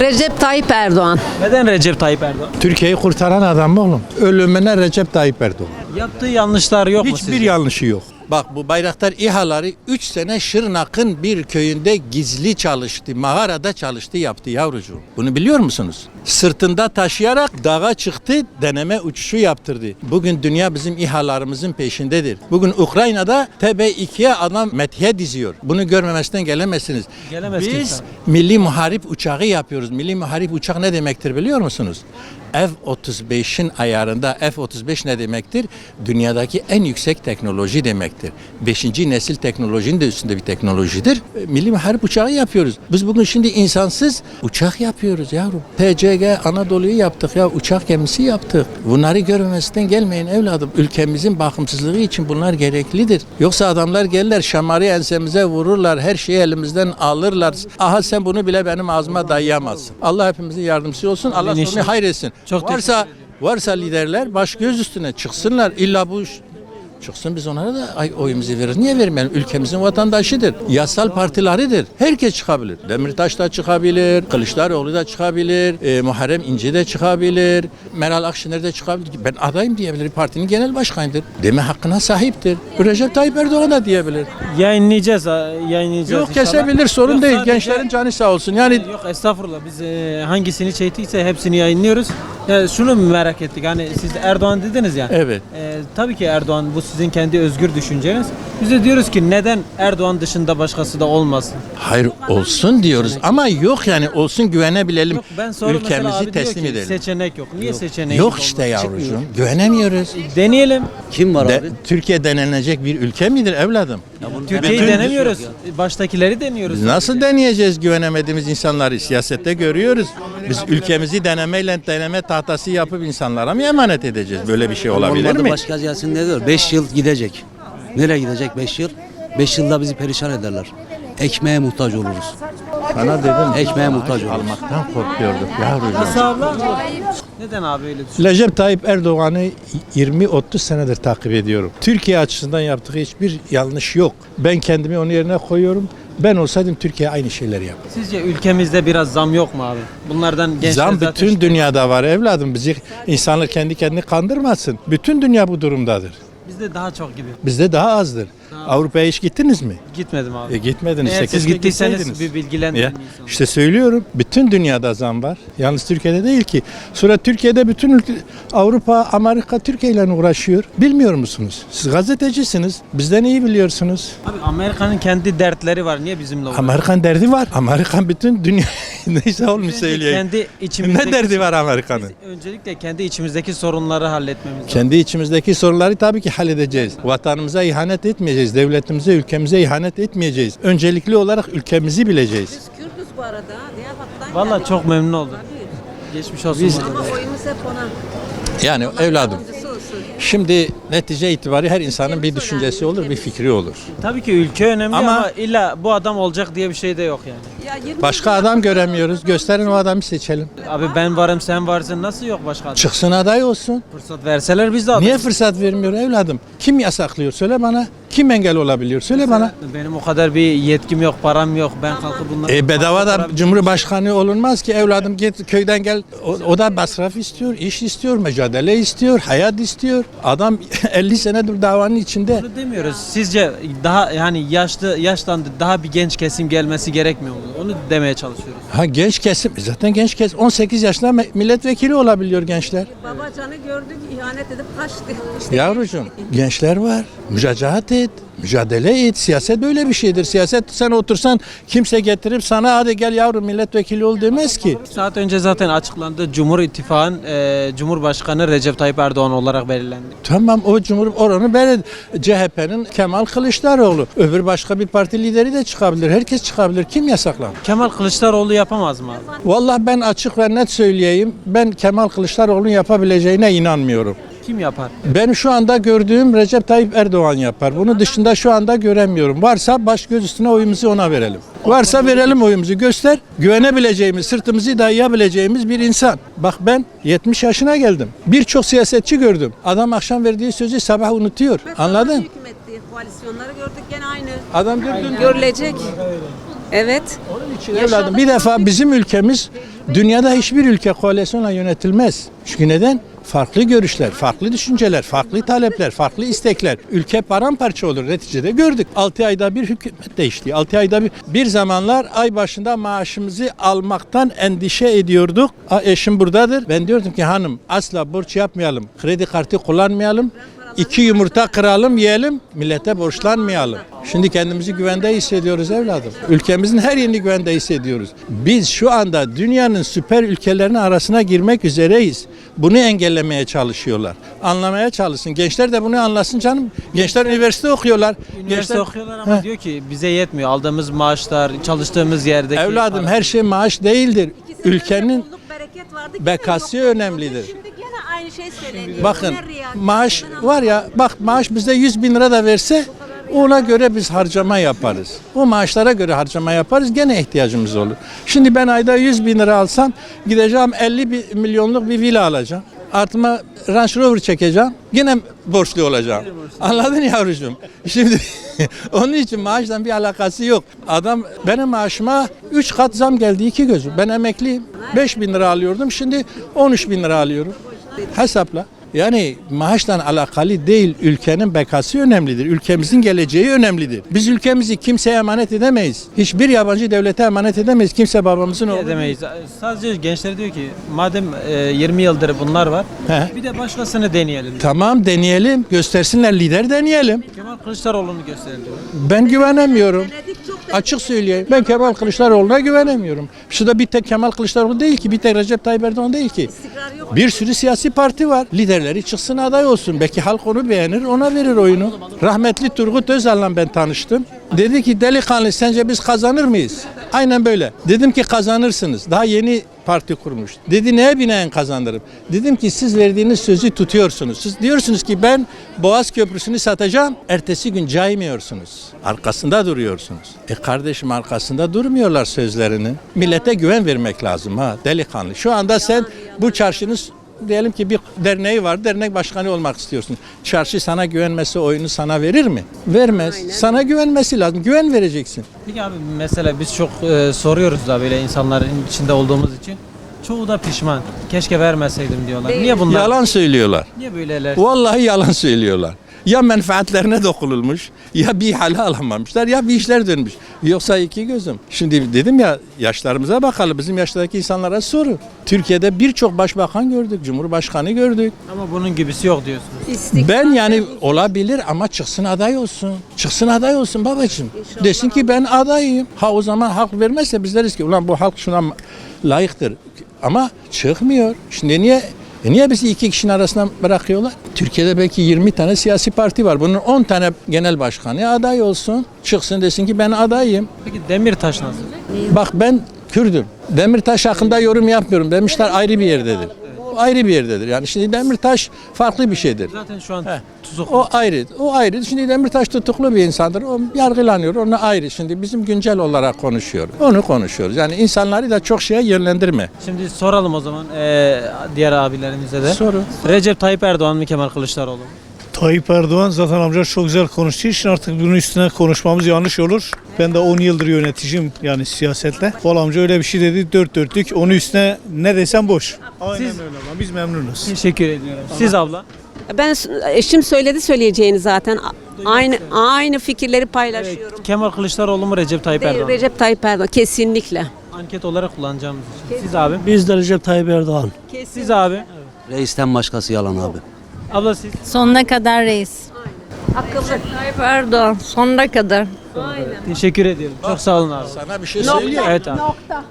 Recep Tayyip Erdoğan. Neden Recep Tayyip Erdoğan? Türkiye'yi kurtaran adam oğlum. Ölümüne Recep Tayyip Erdoğan. Yaptığı yanlışlar yok mu Hiçbir sizce? yanlışı yok. Bak bu Bayraktar İHA'ları 3 sene Şırnak'ın bir köyünde gizli çalıştı. Mağarada çalıştı yaptı yavrucuğum. Bunu biliyor musunuz? Sırtında taşıyarak dağa çıktı, deneme uçuşu yaptırdı. Bugün dünya bizim İHA'larımızın peşindedir. Bugün Ukrayna'da TB2'ye adam methiye diziyor. Bunu görmemesinden gelemezsiniz. Gelemez Biz kimse. milli muharip uçağı yapıyoruz. Milli muharip uçak ne demektir biliyor musunuz? F-35'in ayarında F-35 ne demektir? Dünyadaki en yüksek teknoloji demektir. 5. nesil teknolojinin de üstünde bir teknolojidir. Milli muharip uçağı yapıyoruz. Biz bugün şimdi insansız uçak yapıyoruz yavrum. TCG Anadolu'yu yaptık ya, uçak gemisi yaptık. Bunları görmemesinden gelmeyin evladım. Ülkemizin bakımsızlığı için bunlar gereklidir. Yoksa adamlar gelirler şamarı ensemize vururlar, her şeyi elimizden alırlar. Aha sen bunu bile benim ağzıma dayayamazsın. Allah hepimizin yardımcısı olsun. Allah İnşallah. sonunu hayretsin. Çok teşekkür varsa ediyorum. varsa liderler baş göz üstüne çıksınlar. İlla bu çıksın, biz onlara da oyumuzu veririz. Niye vermeyelim? Ülkemizin vatandaşıdır. Yasal partileridir. Herkes çıkabilir. Demirtaş da çıkabilir. Kılıçdaroğlu da çıkabilir. Muharrem İnce de çıkabilir. Meral Akşener de çıkabilir. Ben adayım diyebilir. Partinin genel başkanıdır. Deme hakkına sahiptir. Recep Tayyip Erdoğan da diyebilir. Yayınlayacağız Yok inşallah. kesebilir, sorun Yok, değil. sadece- Gençlerin canı sağ olsun. Yani Yok estağfurullah, biz hangisini çektiyse hepsini yayınlıyoruz. Şunu merak ettik, hani siz Erdoğan dediniz ya. evet. Tabii ki Erdoğan, bu sizin kendi özgür düşünceniz. Biz de diyoruz ki neden Erdoğan dışında başkası da olmasın? Hayır olsun diyoruz ama yok yani olsun, güvenebilelim. Yok, ben sonra mesela Ülkemizi abi diyor teslim ki edelim. seçenek yok. Niye seçeneği Yok işte yavrucuğum. Güvenemiyoruz. Deneyelim. Kim var abi? Türkiye denilecek bir ülke midir evladım? Türkiye'yi Bütün- denemiyoruz. Baştakileri deniyoruz. Nasıl deneyeceğiz güvenemediğimiz insanları? Siyasette görüyoruz. Biz ülkemizi deneme tahtası yapıp insanlara mı emanet edeceğiz? Böyle bir şey olabilir Olmadı mi? başka gelsin ne diyor? 5 yıl gidecek. Nereye gidecek 5 yıl? 5 yılda bizi perişan ederler. Ekmeğe muhtaç oluruz. Sana dedim. Ekmeğe muhtaç oluruz. Almaktan korkuyorduk yavrucuğum. Nasıl abla? Neden abi öyle düşünüyorsun? Recep Tayyip Erdoğan'ı 20-30 senedir takip ediyorum. Türkiye açısından yaptığı hiçbir yanlış yok. Ben kendimi onun yerine koyuyorum. Ben olsaydım Türkiye aynı şeyleri yapar. Sizce ülkemizde biraz zam yok mu abi? Bunlardan gençler Zam zaten bütün dünyada var evladım. Bizi insanlar kendi kendini kandırmasın. Bütün dünya bu durumdadır. bizde daha çok gibi. Bizde daha azdır. Avrupa'ya hiç gittiniz mi? Gitmedim abi. Gitmediniz. Eğer İşte siz keşke gittiyseniz gitseydiniz. bir bilgilendirin Ya, insanları. İşte söylüyorum. Bütün dünyada zam var. Yalnız Türkiye'de değil ki. Sonra Türkiye'de bütün Avrupa, Amerika Türkiye ile uğraşıyor. Bilmiyor musunuz? Siz gazetecisiniz. Bizden iyi biliyorsunuz. Abi Amerika'nın kendi dertleri var. Niye bizimle uğraşıyor? Amerikan derdi var. Amerikan bütün dünya neyse olmuş söyleyeyim. Kendi içimizdeki Ne derdi var Amerikan'ın? Öncelikle kendi içimizdeki sorunları halletmemiz lazım. Kendi içimizdeki sorunları tabii ki halledeceğiz. Vatanımıza ihanet etmeyeceğiz. Devletimize, ülkemize ihanet etmeyeceğiz. Öncelikli olarak ülkemizi bileceğiz. Biz Kürdüz bu arada. Diyarbakır'dan Vallahi geldik. çok memnun oldum. Tabii. Geçmiş olsun. Biz- bana. Ama oyumuz hep ona. Yani evladım. Yardımcısı olsun. Şimdi netice itibariyle her insanın bir düşüncesi olur, bir fikri olur. Tabii ki ülke önemli Ama- ama illa bu adam olacak diye bir şey de yok yani. Ya 20 Başka adam göremiyoruz. Gösterin o adamı seçelim. Abi ben varım sen varsın, nasıl yok başka adam? Çıksın aday olsun. Fırsat verseler biz de aday. Niye fırsat vermiyor evladım? Kim yasaklıyor? Söyle bana. Kim engel olabiliyor? Söyle bana. Benim o kadar bir yetkim yok, param yok. Ben kalkıp bunları... Bedava da Cumhurbaşkanı olunmaz ki evladım, git köyden gel. O da masraf istiyor, iş istiyor, mücadele istiyor, hayat istiyor. Adam 50 senedir davanın içinde. Bunu demiyoruz. Sizce daha yani yaşlandı, daha bir genç kesim gelmesi gerekmiyor mu? Onu demeye çalışıyoruz. Ha genç kesim, zaten genç kesim 18 yaşında milletvekili olabiliyor gençler. Babacanı gördük, ihanet edip kaçtı. İşte Yavrucuğum gençler var. Mücadelе et. Mücadele et. Siyaset böyle bir şeydir. Siyaset sen otursan kimse getirip sana hadi gel yavrum milletvekili ol demez ki. Bir saat önce zaten açıklandı. Cumhur İttifakı'nın Cumhurbaşkanı Recep Tayyip Erdoğan olarak belirlendi. Tamam o oranı böyle CHP'nin Kemal Kılıçdaroğlu. Öbür başka bir parti lideri de çıkabilir. Herkes çıkabilir. Kim yasaklar? Kemal Kılıçdaroğlu yapamaz mı abi? Vallahi ben açık ve net söyleyeyim. Ben Kemal Kılıçdaroğlu'nun yapabileceğine inanmıyorum. Kim yapar? Ben şu anda gördüğüm Recep Tayyip Erdoğan yapar. Bunun dışında şu anda göremiyorum. Varsa baş göz üstüne oyumuzu ona verelim. Varsa verelim oyumuzu, göster. Güvenebileceğimiz, sırtımızı dayayabileceğimiz bir insan. Bak ben 70 yaşına geldim. Birçok siyasetçi gördüm. Adam akşam verdiği sözü sabah unutuyor. Anladın? Hükümetti, koalisyonları gördük gene aynı. Adam dün Görülecek. Evet. Onun için evladım bir defa bizim ülkemiz Dünyada hiçbir ülke koalisyonla yönetilmez. Çünkü neden? Farklı görüşler, farklı düşünceler, farklı talepler, farklı istekler. Ülke paramparça olur. Neticede gördük. 6 ayda bir hükümet değişti. 6 ayda bir zamanlar ay başında maaşımızı almaktan endişe ediyorduk. Eşim buradadır. Ben diyordum ki hanım asla borç yapmayalım. Kredi kartı kullanmayalım. 2 yumurta kıralım yiyelim. Millete borçlanmayalım. Şimdi kendimizi güvende hissediyoruz evladım. Ülkemizin her yerini güvende hissediyoruz. Biz şu anda dünyanın süper ülkelerinin arasına girmek üzereyiz. Bunu engellemeye çalışıyorlar. Anlamaya çalışsın. Gençler de bunu anlasın canım. Gençler üniversite okuyorlar. Üniversite okuyorlar ama diyor ki bize yetmiyor. Aldığımız maaşlar, çalıştığımız yerdeki... Evladım her şey maaş değildir. Ülkenin Bolluk, bereket vardı, kimse bekası yoktu. önemlidir. Şimdi gene aynı şey söyleniyor. Bakın Ne riya, maaş ben var ya bak maaş bize 100 bin lira da verse ona göre biz harcama yaparız. O maaşlara göre harcama yaparız gene ihtiyacımız olur. Şimdi ben ayda 100 bin lira alsam gideceğim 50 milyonluk bir villa alacağım. Artıma Range Rover çekeceğim. Yine borçlu olacağım. Anladın yavrucuğum? Şimdi onun için maaşla bir alakası yok. Adam benim maaşıma 3 kat zam geldi 2 gözüm. Ben emekliyim. 5 bin lira alıyordum. Şimdi 13 bin lira alıyorum. Hesapla. Yani maaşla alakalı değil, ülkenin bekası önemlidir. Ülkemizin geleceği önemlidir. Biz ülkemizi kimseye emanet edemeyiz. Hiçbir yabancı devlete emanet edemeyiz. Kimse babamızın oğlu. Edemeyiz. Sadece gençler diyor ki madem 20 yıldır bunlar var He. bir de başkasını deneyelim. Tamam deneyelim, göstersinler lider deneyelim. Kemal Kılıçdaroğlu'nu gösterdi. Ben güvenemiyorum. denedik, çok da Açık söyleyeyim. Ben Kemal Kılıçdaroğlu'na güvenemiyorum. Şurada bir tek Kemal Kılıçdaroğlu değil ki, bir tek Recep Tayyip Erdoğan değil ki. istikrar yok. Bir sürü siyasi parti var. Liderleri çıksın aday olsun. Belki halk onu beğenir, ona verir oyunu. Rahmetli Turgut Özal'la ben tanıştım. Dedi ki delikanlı sence biz kazanır mıyız? Aynen böyle. Dedim ki kazanırsınız. Daha yeni parti kurmuş. Dedi neye binaen kazanırım? Dedim ki siz verdiğiniz sözü tutuyorsunuz. Siz diyorsunuz ki ben Boğaz Köprüsü'nü satacağım. Ertesi gün caymıyorsunuz. Arkasında duruyorsunuz. Kardeşim arkasında durmuyorlar sözlerinin. Millete güven vermek lazım ha delikanlı. Şu anda sen bu çarşının diyelim ki bir derneği var. Dernek başkanı olmak istiyorsun. Çarşı sana güvenmesi oyunu sana verir mi? Vermez. Sana güvenmesi lazım. Güven vereceksin. Peki abi mesela biz çok soruyoruz da böyle insanların içinde olduğumuz için. Çoğu da pişman. Keşke vermeseydim diyorlar. Niye bunlar? Yalan söylüyorlar. Niye böyleler? Vallahi yalan söylüyorlar. Ya menfaatlerine dokunulmuş, ya bir hale alamamışlar, ya bir işler dönmüş. Yoksa iki gözüm. Şimdi dedim ya yaşlarımıza bakalım. Bizim yaştaki insanlara soru. Türkiye'de birçok başbakan gördük, cumhurbaşkanı gördük. Ama bunun gibisi yok diyorsunuz. İstikrar Ben yani dedik. olabilir ama çıksın aday olsun. Çıksın aday olsun babacığım. Desin ki ben adayım. Ha o zaman halk vermezse biz deriz ki ulan bu halk şuna layıktır. Ama çıkmıyor. Şimdi niye bizi iki kişinin arasına bırakıyorlar? Türkiye'de belki 20 tane siyasi parti var. Bunun 10 tane genel başkanı aday olsun. Çıksın desin ki ben adayım. Peki Demirtaş nasıl? Bak ben Kürdüm. Demirtaş hakkında yorum yapmıyorum. Demişler ayrı bir yerdedir. O ayrı bir yerdedir. Yani şimdi Demirtaş farklı bir şeydir. Zaten şu an tutuklu. O ayrı. O ayrı. Şimdi Demirtaş tutuklu bir insandır. O yargılanıyor. Ona ayrı. Şimdi bizim güncel olarak konuşuyoruz. Onu konuşuyoruz. Yani insanları da çok şeye yönlendirme. Şimdi soralım o zaman diğer abilerimize de. Soru. Recep Tayyip Erdoğan mı Kemal Kılıçdaroğlu mu? Tayyip Erdoğan zaten amca çok güzel konuştuğu için artık bunun üstüne konuşmamız yanlış olur. Ben de 10 yıldır yöneticiyim yani siyasetle. Kol amca öyle bir şey dedi dört dörtlük. Onun üstüne ne desem boş. Aynen Siz- öyle ama biz memnunuz. Teşekkür ediyorum. Siz abla? Ben eşim söyledi söyleyeceğini zaten. Aynı fikirleri paylaşıyorum. Kemal Kılıçdaroğlu mu Recep Tayyip Değil, Erdoğan mı? Recep Tayyip Erdoğan kesinlikle. Anket olarak kullanacağımız için. Siz abi? Biz de Recep Tayyip Erdoğan. Siz abi? Reisten başkası yalan abi. Abla siz? Sonuna kadar reis. Akıllı. Tayyip Erdoğan sonuna kadar. Teşekkür ediyorum. Çok sağ olun abi. Sana bir şey söyleyeyim. Evet abi.